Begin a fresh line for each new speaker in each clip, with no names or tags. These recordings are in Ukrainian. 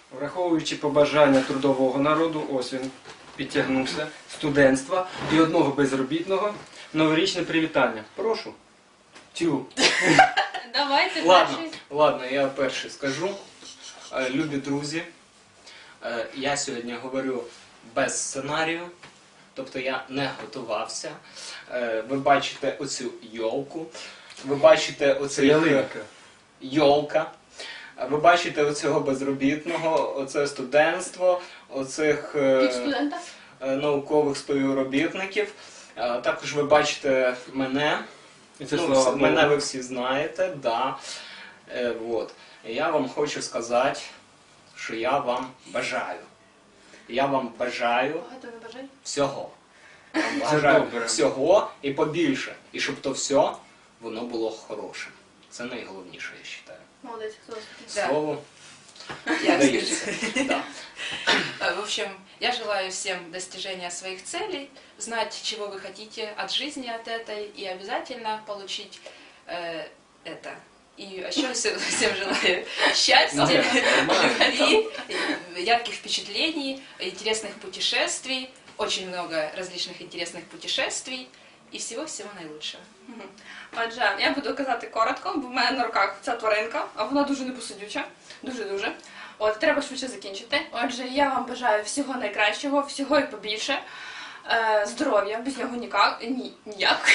Враховуючи побажання трудового народу, ось він підтягнувся, студентства і одного безробітного, новорічне привітання. Прошу. Тю.
Давайте перший.
Ладно, я перший скажу. Любі друзі, я сьогодні говорю без сценарію, тобто я не готувався. Ви бачите оцю йолку, ви бачите оцей йолка, ви бачите оцього безробітного, оце студентство, оцих наукових співробітників. Також ви бачите мене.
І це
Мене ви всі знаєте, да. Вот. І я вам хочу сказати, що я вам бажаю. Я вам бажаю всього. Я вам бажаю всього і побільше. І щоб то все, воно було хорошим. Це найголовніше, я вважаю.
Молодець, хто?
Слово
Я
дається. Да.
В общем, я желаю всем достижения своих целей, знать, чего вы хотите от жизни, от этой, и обязательно получить это. И еще всем желаю счастья, любви, ярких впечатлений, интересных путешествий, очень много различных интересных путешествий и всего-всего наилучшего.
Отже, я буду казати коротко, бо в мене на руках ця тваринка, а вона дуже непосидюча. Дуже-дуже. От, треба швидше закінчити. Отже, я вам бажаю всього найкращого, всього і побільше. Здоров'я, без нього ніяк.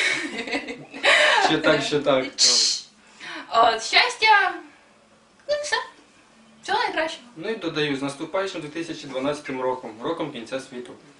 Ще так.
От, щастя, ну і все. Всього найкращого.
Ну і додаю, з наступаючим 2012 роком, роком кінця світу.